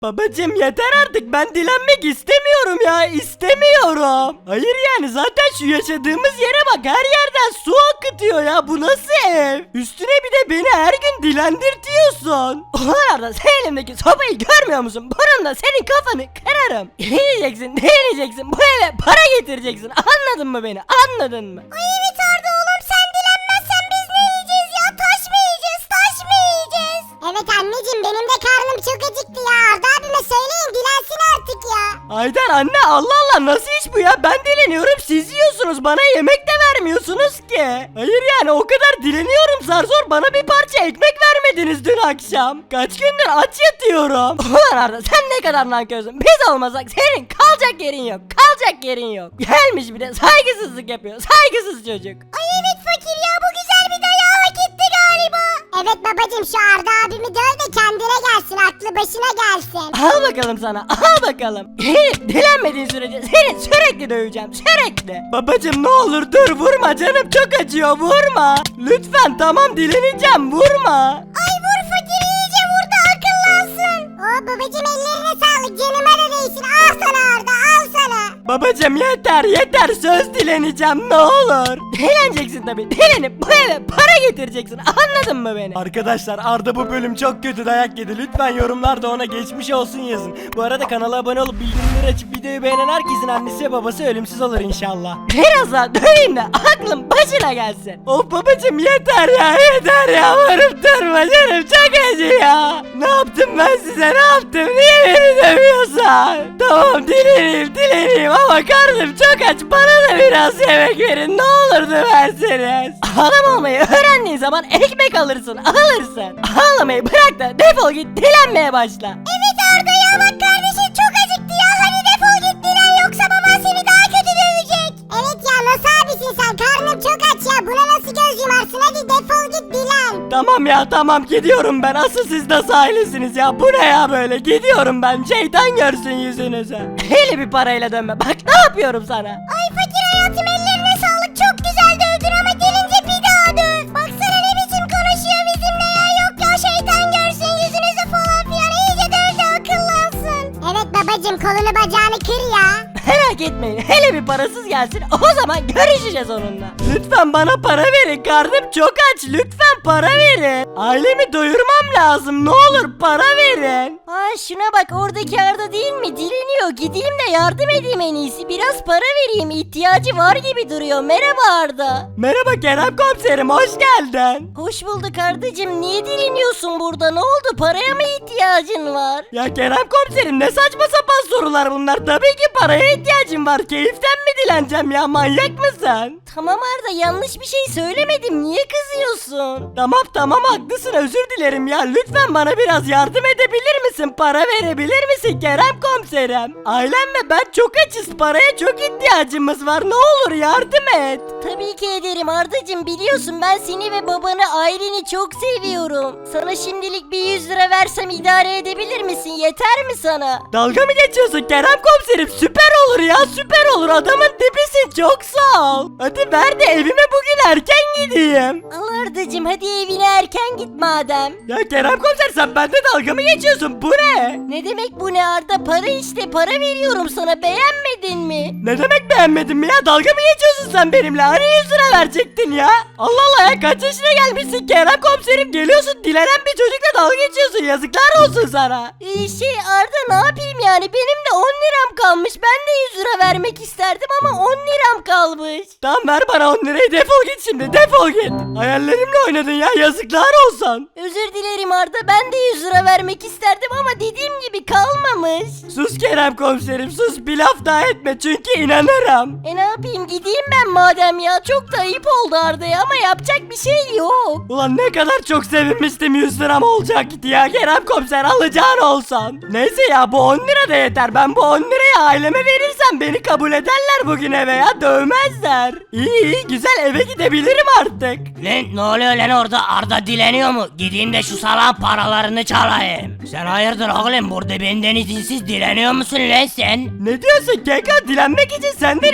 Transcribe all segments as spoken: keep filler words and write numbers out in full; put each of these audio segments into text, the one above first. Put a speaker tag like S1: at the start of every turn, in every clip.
S1: Babacım yeter artık, ben dilenmek istemiyorum ya, istemiyorum. Hayır yani zaten şu yaşadığımız yere bak, her yerden su akıtıyor ya, bu nasıl ev? Üstüne bir de beni her gün dilendirtiyorsun. Ulan Arda, sen elimdeki sopayı görmüyor musun? Bununla senin kafanı kırarım. Dileneceksin dileneceksin, bu eve para getireceksin, anladın mı beni, anladın mı?
S2: Ay evet Arda oğlum, sen dilenmezsen biz ne yiyeceğiz ya? Taş mı yiyeceğiz, taş mı yiyeceğiz? Evet anneciğim, benim de karnım çok acıktı ya. Arda abime söyleyin dilensin artık ya.
S1: Aydan anne, Allah Allah, nasıl iş bu ya? Ben dileniyorum, siz yiyorsunuz, bana yemek de vermiyorsunuz ki. Hayır yani o kadar dileniyorum, zar zor bana bir parça ekmek vermediniz dün akşam. Kaç gündür aç yatıyorum. Ulan Arda, sen ne kadar nankörsün. Biz olmasak senin kalacak yerin yok, kalacak yerin yok. Gelmiş bir de saygısızlık yapıyor, saygısız çocuk.
S2: Ay evet fakir ya, bu güzel bir dayağı hak etti galiba. Evet babacığım, şu Arda abimi döv de kendine gelsin, aklı başına gelsin.
S1: Al bakalım sana, al bakalım. Dilenmediğin sürece seni sürekli döveceğim, sürekli. Babacım ne olur dur, vurma, canım çok acıyor, vurma. Lütfen, tamam dileneceğim, vurma.
S2: Ay vur fakir, iyice vur da akıllansın. Oo babacığım, ellerine sağlık, canıma da değsin. Al sana Arda, al sana.
S1: Babacım yeter yeter, söz dileneceğim, ne olur. Dileneceksin tabii, dilenip bu eve para getireceksin, anladın mı beni? Arkadaşlar, Arda bu bölüm çok kötü dayak yedi, lütfen yorumlarda ona geçmiş olsun yazın. Bu arada kanala abone olup bildirimleri açıp videoyu beğenen herkesin annesi ve babası ölümsüz olur inşallah. Biraz daha döveyim de aklım başına gelsin. Of babacım yeter ya, yeter ya, varıp durma, canım çok acıyor. Ne yaptım ben size, ne yaptım, niye beni dövüyorsun? Tamam dileneyim dileneyim ama karnım çok aç, bana da biraz yemek verin, ne olur döverseniz. Adam olmayı öğrendiğin zaman ekmek alırsın, alırsın. Ağlamayı bırak da defol git, dilenmeye başla.
S2: Evet Arda ya, bak kardeşin çok acıktı ya. Hadi defol git dilen, yoksa baban seni daha kötü dövecek. Evet ya, nasıl abisin sen? Karnım çok aç ya. Buna nasıl göz yumarsın? Hadi defol git dilen.
S1: Tamam ya tamam, gidiyorum ben, asıl siz nasıl ailesiniz ya, bu ne ya böyle, gidiyorum ben, şeytan görsün yüzünüzü. Hele bir parayla dönme, bak ne yapıyorum sana.
S2: Ay fakir hayatım, ellerine sağlık. Çok güzel dövdün ama gelince bir daha döv. Baksana ne biçim konuşuyor bizimle ya. Yok ya, şeytan görsün yüzünüzü falan filan. İyice döv de akıllansın. Evet babacım, kolunu bacağını kır ya.
S1: Merak etmeyin, hele bir parasız gelsin, o zaman görüşeceğiz onunla. Lütfen bana para verin, karnım çok aç, lütfen para verin. Ailemi doyurmam lazım, ne olur para verin. Aa şuna bak, oradaki Arda değil mi, dileniyor, gideyim de yardım edeyim en iyisi, biraz para vereyim, ihtiyacı var gibi duruyor. Merhaba Arda. Merhaba Kerem komiserim, hoş geldin. Hoş bulduk Ardacığım, niye dileniyorsun burada, ne oldu, paraya mı ihtiyacın var? Ya Kerem komiserim, ne saçma sapan sorular bunlar, tabii ki paraya ihtiyacım var, keyiften mi dileneceğim ya, manyak mısın? Tamam Arda, yanlış bir şey söylemedim, niye kızıyorsun? Tamam tamam, haklısın, özür dilerim ya, lütfen bana biraz yardım edebilir misin, para verebilir misin Kerem komiserim? Ailem ve ben çok açız, paraya çok ihtiyacımız var, ne olur yardım et. Tabii ki ederim Ardacığım, biliyorsun ben seni ve babanı, aileni çok seviyorum. Sana şimdilik bir yüz lira versem idare edebilir misin, yeter mi sana? Dalga mı geçiyorsun Kerem komiserim, süper olur ya, süper olur, adamın dibisin, çok sağ ol. Hadi ver de evime bugün erken gideyim. Al Ardacığım, hadi evine erken git madem. Ya Kerem komiser, sen bende dalga mı geçiyorsun, bu ne? Ne demek bu ne Arda, para işte, para veriyorum sana, beğenmedin mi? Ne demek beğenmedin mi ya, dalga mı geçiyorsun sen benimle, hani yüz lira verecektin ya? Allah Allah ya, kaç yaşına gelmişsin Kerem komiserim, geliyorsun dilenen bir çocukla dalga geçiyorsun, yazıklar olsun sana. Ee, şey Arda, ne yapayım yani, benim de on liram kalmış, ben de yüz lira vermek isterdim ama on liram kalmış. Tamam ver bana on lirayı, defol git şimdi, defol git. Hayallerimle oynadın ya, yazıklar olsun. Özür dilerim Arda, ben de yüz lira vermek isterdim ama dediğim gibi kalmamış. Sus Kerem komiserim, sus, bir laf daha etme çünkü inanırım. E ne yapayım, gideyim ben madem ya, çok da ayıp oldu Arda'ya ama yapacak bir şey yok. Ulan ne kadar çok sevinmiştim yüz liram olacak ya Kerem komiser, alacağın olsun. Neyse ya, bu on lira da yeter, ben bu on lirayı aileme verirsem beni kabul ederler bugün eve ya, dövmezler. İyi iyi, güzel, eve gidebilirim artık.
S3: Lan ne oluyor lan orada, Arda dileniyor mu? Gideyim de şu salağın paralarını çalayım. Sen hayırdır oğlum, burada benden izinsiz dileniyor musun lan sen?
S1: Ne diyorsun Keko, dilenmek için senden izin mi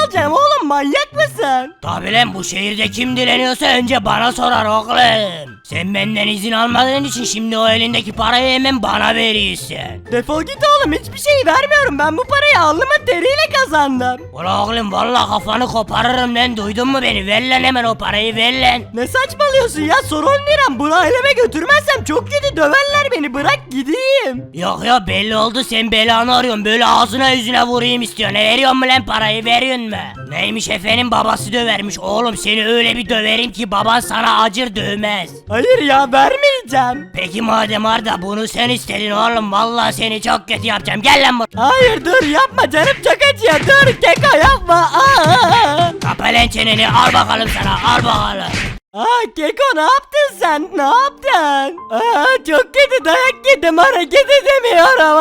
S1: alacağım oğlum, manyak mısın?
S3: Tabi lan, bu şehirde kim dileniyorsa önce bana sorar oğlum. Sen benden izin almadığın için şimdi o elindeki parayı hemen bana veriyorsun.
S1: Defol git oğlum, hiçbir şey vermiyorum, ben bu parayı alnımın teriyle kazandım.
S3: Ulan oğlum valla kafanı koparırım lan, duydun mu beni? Ver lan hemen o parayı, ver lan.
S1: Ne saçmalıyorsun ya, son on liram, bunu aileme götürmezsem çok kötü döverler beni, bırak gideyim.
S3: Yok ya, belli oldu, sen belanı arıyorsun, böyle ağzına yüzüne vurayım istiyorsun. Ne veriyorsun mu lan parayı, veriyorsun mu? Neymiş efendim, babası dövermiş. Oğlum seni öyle bir döverim ki baban sana acır dövmez.
S1: Hayır ya, vermeyeceğim.
S3: Peki madem Arda, bunu sen istedin oğlum, vallahi seni çok kötü yapacağım, gel lan buraya.
S1: Hayır dur, yapma, canım çok acıyor, dur Keko yapma. Aa!
S3: Kapa lan çeneni, al bakalım sana, al bakalım.
S1: Aa Keko, ne yaptın sen, ne yaptın? Aa, çok kötü dayak yedim, hareket edemiyorum.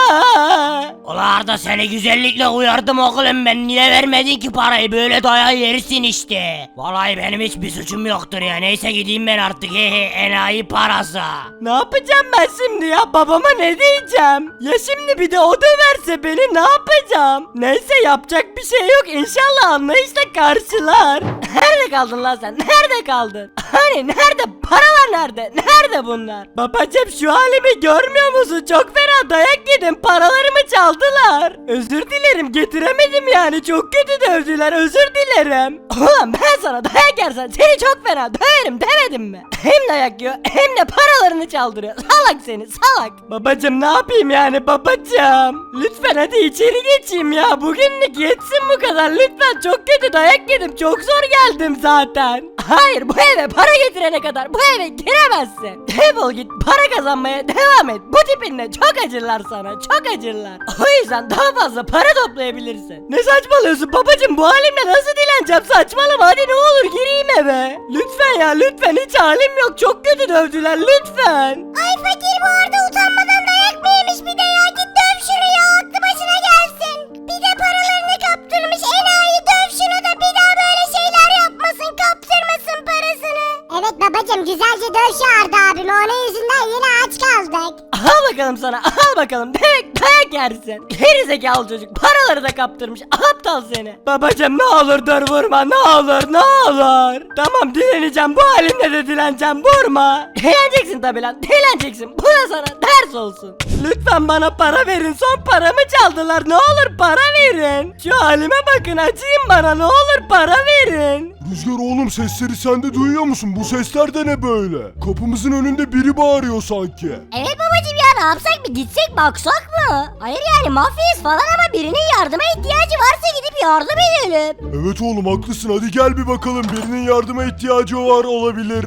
S1: Aa!
S3: Ulan Arda, seni güzellikle uyardım oğlum ben, niye vermedin ki parayı, böyle dayağı yersin işte. Vallahi benim hiçbir suçum yoktur ya, neyse gideyim ben artık, hehe, enayi parası.
S1: Ne yapacağım ben şimdi ya, babama ne diyeceğim? Ya şimdi bir de o döverse beni, ne yapacağım? Neyse, yapacak bir şey yok, İnşallah anlayışla karşılar. Nerede kaldın lan sen, nerede kaldın? Hani nerede, paralar nerede, nerede bunlar? Babacım, şu halimi görmüyor musun? Çok fena dayak yedim, paralarımı çaldılar. Özür dilerim, getiremedim yani, çok kötü dövdüler, özür dilerim. Ulan ben sana dayak yersen seni çok fena döverim demedim mi? Hem dayak yiyor hem de paralarını çaldırıyor, salak seni, salak. Babacım, ne yapayım yani babacım? Lütfen hadi içeri geçeyim ya, bugünlük yetsin bu kadar, lütfen, çok kötü dayak yedim, çok zor geldim zaten. Hayır, bu eve para getirene kadar bu eve giremezsin. Defol git, para kazanmaya devam et. Bu tipinle çok acırlar sana, çok acırlar. O yüzden daha fazla para toplayabilirsin. Ne saçmalıyorsun babacım, bu halimle nasıl dileneceğim, saçmalama, hadi ne olur gireyim eve. Lütfen ya, lütfen, hiç halim yok, çok kötü dövdüler, lütfen.
S2: Ay fakir, bu arada utanmadan dayak mı yemiş bir de ya, git döv şunu ya, aklı başına gelsin. Bir de paralarını kaptırmış enayi, döv şunu da bir daha böyle şeyler yapmasın, kaptırmasın parasını.
S4: Evet babacım, güzelce döv şu Arda abimi, onun yüzünden yine aç kaldık.
S1: Al bakalım sana, al bakalım, demek dayak yersin. Geri zekalı çocuk, paraları da kaptırmış, aptal seni. Babacım, ne olur dur, vurma, ne olur, ne olur. Tamam, dileneceğim, bu halimle de dileneceğim, vurma. Dileneceksin tabi lan, dileneceksin, bu da sana ders olsun. Lütfen bana para verin, son paramı çaldılar, ne olur para verin. Şu halime bakın, acıyın bana, ne olur para verin.
S5: Rüzgar oğlum, sesleri sen de duyuyor musun? Bu sesler de ne böyle? Kapımızın önünde biri bağırıyor sanki.
S2: Evet babacım ya, ne yapsak, bir gitsek baksak mı? Hayır yani mafyayız falan ama birinin yardıma ihtiyacı varsa gidip yardım edelim.
S5: Evet oğlum, haklısın, hadi gel bir bakalım, birinin yardıma ihtiyacı var olabilir.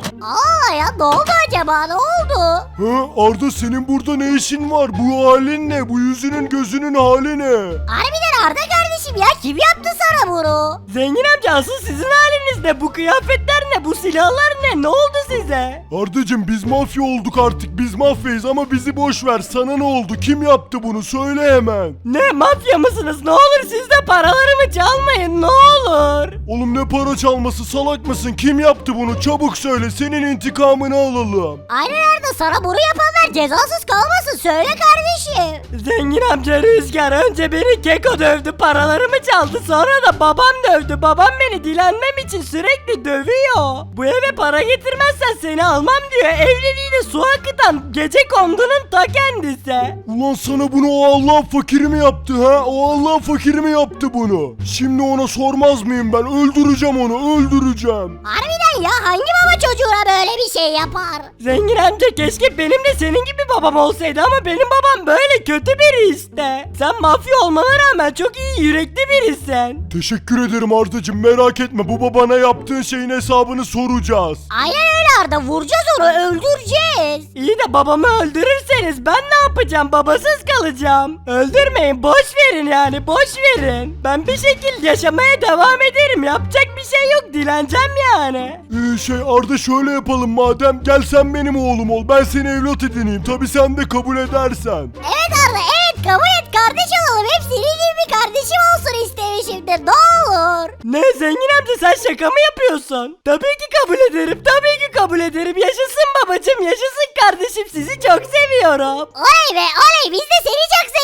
S2: Aa ya, ne oldu acaba, ne oldu?
S5: Ha, Arda, senin burada ne işin var? Bu halin ne? Bu yüzünün gözünün hali ne?
S2: Harbiden Arda kardeşim ya, kim yaptı sana bunu?
S1: Zengin amca, asıl sizin haliniz ne? Bu kıyafetler ne? Bu silahlar ne? Ne oldu size?
S5: Ardacım, biz mafya olduk artık, biz mafyayız, ama bizi boş ver, sana ne oldu? Kim yaptı bunu? Söyle hemen.
S1: Ne, mafya mısınız? Ne olur siz de paralarımı çalmayın, ne olur.
S5: Oğlum, ne para çalması, salak mısın? Kim yaptı bunu? Çabuk söyle, senin intikamını alalım.
S2: Aynen Arda, sana bunu yapanlar cezasız kalmasın, söyle kardeşim.
S1: Zengin amca, Rüzgar önce beni Keko dövdü, paralarımı çaldı, sonra da babam dövdü. Babam beni dilenmem için sürekli dövüyor. Bu eve para getirmezsen seni almam diyor. Evliliğine su akıtan gece kondunun ta kendisi.
S5: Ulan sana bunu o Allah fakiri mi yaptı ha? O Allah fakiri mi yaptı bunu? Şimdi ona sormaz mıyım ben? Öldüreceğim onu, öldüreceğim.
S2: Harbiden ya, hangi baba çocuğuna böyle bir şey yapar?
S1: Zengin amca, keşke benim de senin gibi babam olsaydı ama benim babam böyle kötü biri işte. Sen mafya olmana rağmen çok iyi yürekli birisin.
S5: Teşekkür ederim Ardacığım, merak etme, bu babana yaptığın şeyin hesabını soracağız.
S2: Aynen öyle Arda, vuracağız onu, öldüreceğiz.
S1: İyi de babamı öldürürseniz ben ne yapacağım? Babasız kalacağım. Öldürmeyin, boş verin yani, boş verin. Ben bir şekilde yaşamaya devam ederim. Yapacak bir şey yok, dileneceğim yani.
S5: Ee, şey Arda, şöyle yapalım madem, gel sen benim oğlum ol, ben seni evlat edineyim, tabi sen de kabul edersen.
S2: Evet Arda, evet, kabul et, kardeş olalım. Hep senin gibi bir kardeşim olsun istemişimdir, ne olur.
S1: Ne zengin amca, sen şaka mı yapıyorsun? Tabii ki kabul ederim, tabii ki kabul ederim. Yaşasın babacım, yaşasın kardeşim, sizi çok seviyorum.
S2: Oley be oley, biz de seni çok seviyoruz.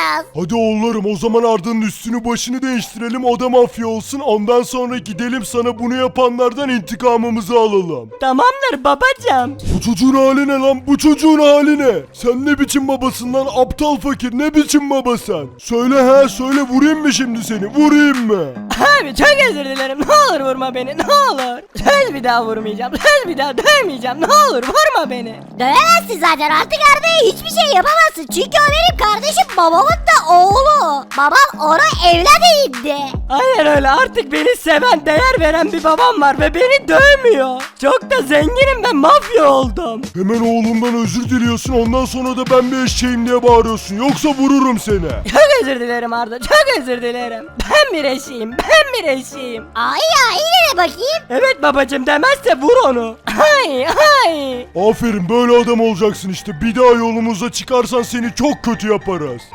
S2: yapacağız?
S5: Hadi oğullarım o zaman Arda'nın üstünü başını değiştirelim, o da mafya olsun. Ondan sonra gidelim sana bunu yapanlardan intikamımızı alalım.
S1: Tamamdır babacım.
S5: Bu çocuğun hali ne lan? Bu çocuğun hali ne? Sen ne biçim babasın lan? Aptal fakir, ne biçim baba sen? Söyle he söyle, vurayım mı şimdi seni? Vurayım mı?
S1: Abi çok özür dilerim. Ne olur vurma beni. Ne olur. Söz bir daha vurmayacağım. Söz bir daha dövmeyeceğim. Ne olur vurma beni.
S2: Dövemezsin zaten, artık Arda'ya hiçbir şey yapamazsın. Çünkü o benim kardeşim, babamın da oğlu. Babam ona evlat edindi.
S1: Aynen öyle, artık beni seven, değer veren bir babam var ve beni dövmüyor. Çok da zenginim, ben mafya oldum.
S5: Hemen oğlumdan özür diliyorsun, ondan sonra da ben bir eşeğim diye bağırıyorsun. Yoksa vururum seni.
S1: Çok özür dilerim Arda, çok özür dilerim. Ben bir eşeğim, ben bir eşeğim.
S2: Ay ya, yine de bakayım.
S1: Evet babacım, demezse vur onu. Ay ay.
S5: Aferin, böyle adam olacaksın işte. Bir daha yolumuza çıkarsan seni çok kötü yaparız.